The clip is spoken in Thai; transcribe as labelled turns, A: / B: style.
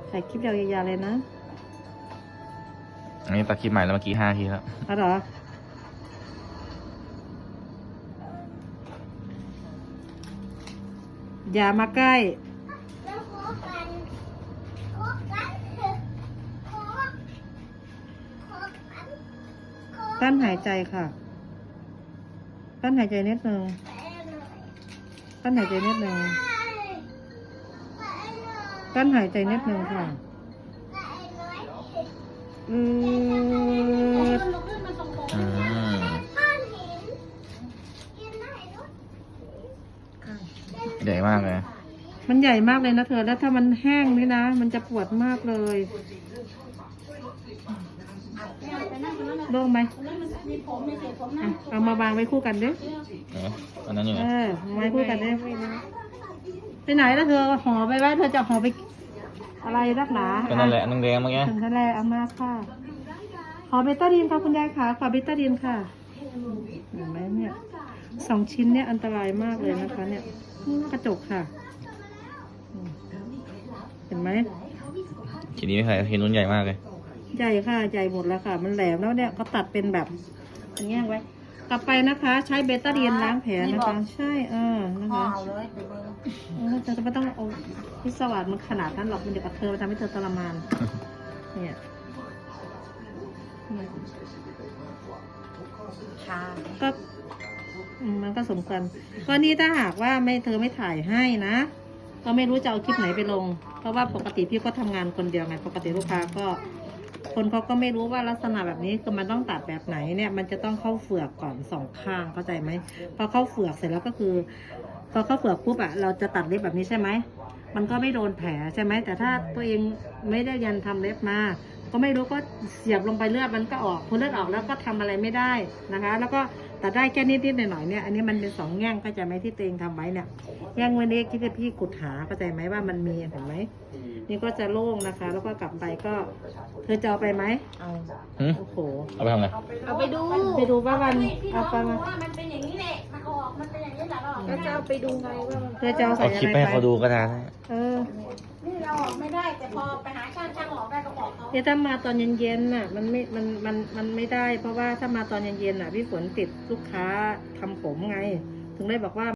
A: ถ่ายคลิปยาวๆเลยนะ
B: อันนี้ตัดคลิปใหม่แล้วเมื่อกี้5 ทีแล้ว
A: อ๋อเหรออย่ามาใกล้กั้นหายใจค่ะกั้นหายใจนิดนึงกั้นหายใจนิดนึงกั้นหายใจนิดนึงค่ะ
B: อืมใหญ่มากเลย
A: มันใหญ่มากเลยนะเธอแล้วถ้ามันแห้งนี่นะมันจะปวดมากเลยโล่งไหมเอามาวางไว้คู่กันดิ
B: อันนั้นอยู่ไหน
A: ไว้คู่กันดิไปไหนแล้วเธอห่อไปไว้เธอจะห่อไปอะไรรักหนา
B: ก็นั่นแหละแดงๆเมื่อกี้
A: ถึงทะเลเอามาค่ะขอเบต้าดีนค่ะคุณยายค่ะขอเบต้าดีนค่ะเห็นไหมเนี่ย2 ชิ้นเนี่ยอันตรายมากเลยนะคะเนี่ยกระจกค่ะเห็นไหม
B: ทีนี้ไม่ใช่ทีนู้นใหญ่มากเลย
A: ใหญ่ค่ะใหญ่หมดแล้วค่ะมันแหลมแล้วเนี่ยเขาตัดเป็นแบบอย่างเงี้ยไว้กลับไปนะคะใช้เบต้าดีนล้างแผลนะคะใช่นะคะจะไม่ต้องเอาพิศวาสมันขนาดนั้นหรอกมันเดี๋ยวกับเธอทำให้เธอทรมานเนี่ยก็มันก็สมควรก็นี่ถ้าหากว่าเธอไม่ถ่ายให้นะก็ไม่รู้จะเอาคลิปไหนไปลงเพราะว่าปกติพี่ก็ทำงานคนเดียวไงปกติลูกค้าก็คนเขาก็ไม่รู้ว่าลักษณะแบบนี้คือมันต้องตัดแบบไหนเนี่ยมันจะต้องเข้าเฟือกก่อน2 ข้างเข้าใจไหมพอเข้าเฟือกเสร็จแล้วก็คือพอเข้าเฟือกปุ๊บเราจะตัดเล็บแบบนี้ใช่ไหมมันก็ไม่โดนแผลใช่ไหมแต่ถ้าตัวเองไม่ได้ยันทำเล็บมาก็ไม่รู้ก็เสียบลงไปเลือดมันก็ออกพอเลือดออกแล้วก็ทำอะไรไม่ได้นะคะแล้วก็ตัดได้แค่นิดๆหน่อยๆเนี่ยอันนี้มันเป็น2 แง่งเข้าใจไหมที่ตัวเองทำไว้เนี่ยแง่งวันนี้ที่พี่ขุดหาเข้าใจไหมว่ามันมีเห็นไหมนี่ก็จะโล่งนะคะแล้วก็กลับไปก็เธอจะเอาไปไหมเอาโอ้โห
B: เอาไปทำอะไร
C: เอาไป
A: ดูว่ามันเอาไปมา
C: ว่ามันเป็นอย่างนี้แหละมันออกมันเป็นอย่างนี้แหละหรอก็จะ
A: เอา
C: ไปดูไงว่ามัน
A: เธอจะเอาใส่อะไรไป
B: เอาคลิปให้เขาดูก็ได้
C: นี่เราออกไม่ได้แต่พอไปหาช่างออกได้ก็บอกเขา
A: เนี่ยถ้ามาตอนเย็นๆน่ะมันไม่ได้เพราะว่าถ้ามาตอนเย็นๆน่ะพี่ฝนติดลูกค้าทำผมไงถึงได้บอกว่า